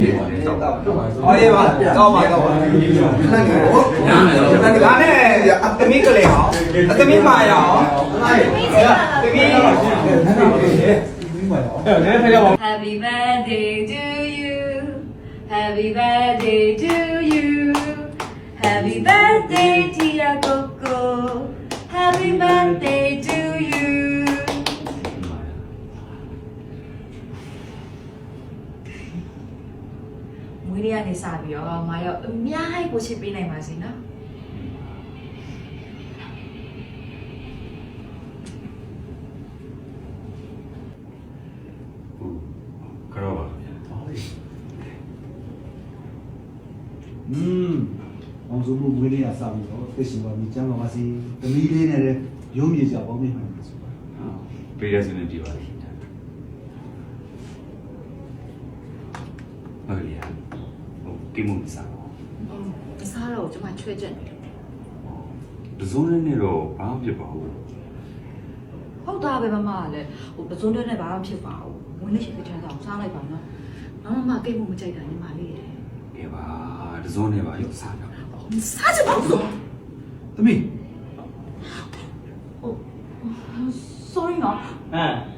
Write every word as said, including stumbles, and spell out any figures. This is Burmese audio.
အော်ရေးပါကောင်းပါကောင်းပါဒါနဲ့အသမီးကလေးအောင်အသမီးမာရအောင်သမီး Happy birthday to you Happy birthday to you Happy birthday dear Coco Happy birthday to you မွေးရနေစပြီးတော့မာရောအများကြီးကိုချစ်ပေးနိုင်ပါစေနော်ကတော့ပါอืมအောင်စုံမှုဝေးလေးရစပြီးတော့သိရှိပါပြီကျမ်းပါပါစီသမီးလေးနဲ့ရုံးမြေကြပေါင်းမြင်မှန်းဆိုပါပေးရစနေပြပါလိမ့်မဟုတ်လေဟိုကိမှုမစားဘူးမစားတော့ကျွန်မချွဲချက်နေတယ်ပဇွန်နဲ့တော့ဘာမှဖြစ်ပါဘူးဟုတ်တာပဲမမကလည်းဟိုပစုံတဲ့နဲ့ဘာမှဖြစ်ပါဘူးဝင်နေရှိတဲ့ချမ်းသာကိုစားလိုက်ပါနော်မမကိတ်မှုမကြိုက်တာညီမလေးရဲ့ကဲပါပဇွန်နဲ့ပါရုပ်စားတော့စားချင်ပါဘူးသမီးဟို sorry နော်ဟမ်